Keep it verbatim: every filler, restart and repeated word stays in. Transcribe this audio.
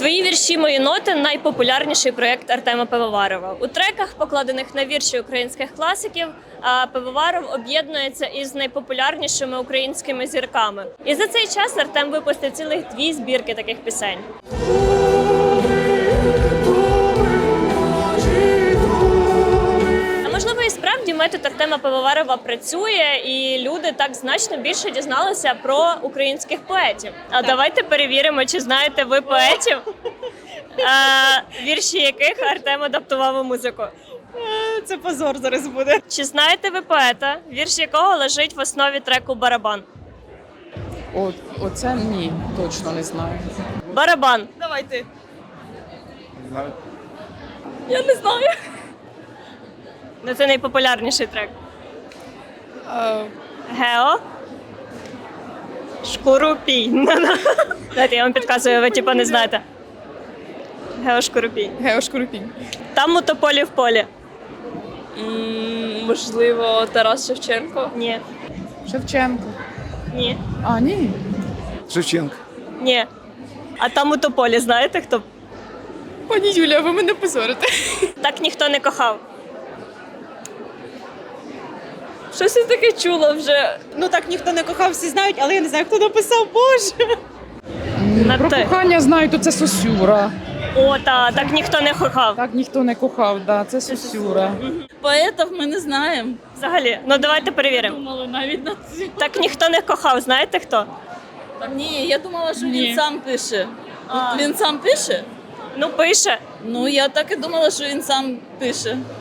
Твої вірші, мої ноти найпопулярніший проєкт Артема Пивоварова. У треках, покладених на вірші українських класиків, Пивоваров об'єднується із найпопулярнішими українськими зірками. І за цей час Артем випустив цілих дві збірки таких пісень. А можливо, і справді метод Артема Пивоварова працює, і люди так значно більше дізналися про українських поетів. А давайте перевіримо, чи знаєте ви поетів, а, вірші яких Артем адаптував у музику. Це позор зараз буде. Чи знаєте ви поета, вірш якого лежить в основі треку «Барабан»? О, оце ні, точно не знаю. «Барабан». Давай ти. Я не знаю. Ну, це найпопулярніший трек. А, Гео. Шкурупій. Знаєте, я вам підказую, ви типу не знаєте. Гео Шкурупій. Гео Шкурупінь. Там у тополі в полі. М, Можливо, Тарас Шевченко. Ні. Шевченко. Ні. А, ні. Шевченко. Ні. А там у тополі знаєте хто? Пані Юля, ви мене позорите. Так ніхто не кохав. Щось я таке чула вже. Ну так ніхто не кохав, всі знають, але я не знаю, хто написав, Боже. На Про те. кохання знаю, то це Сосюра. О, та, так ніхто не кохав. Так ніхто не кохав, да, це Сосюра. Поетів ми не знаємо. Взагалі. Ну давайте перевіримо. Думали навіть на це. Так ніхто не кохав, знаєте хто? Ні, я думала, що Ні. він сам пише. А. Він сам пише? Ну, пише. Ну, я так і думала, що він сам пише.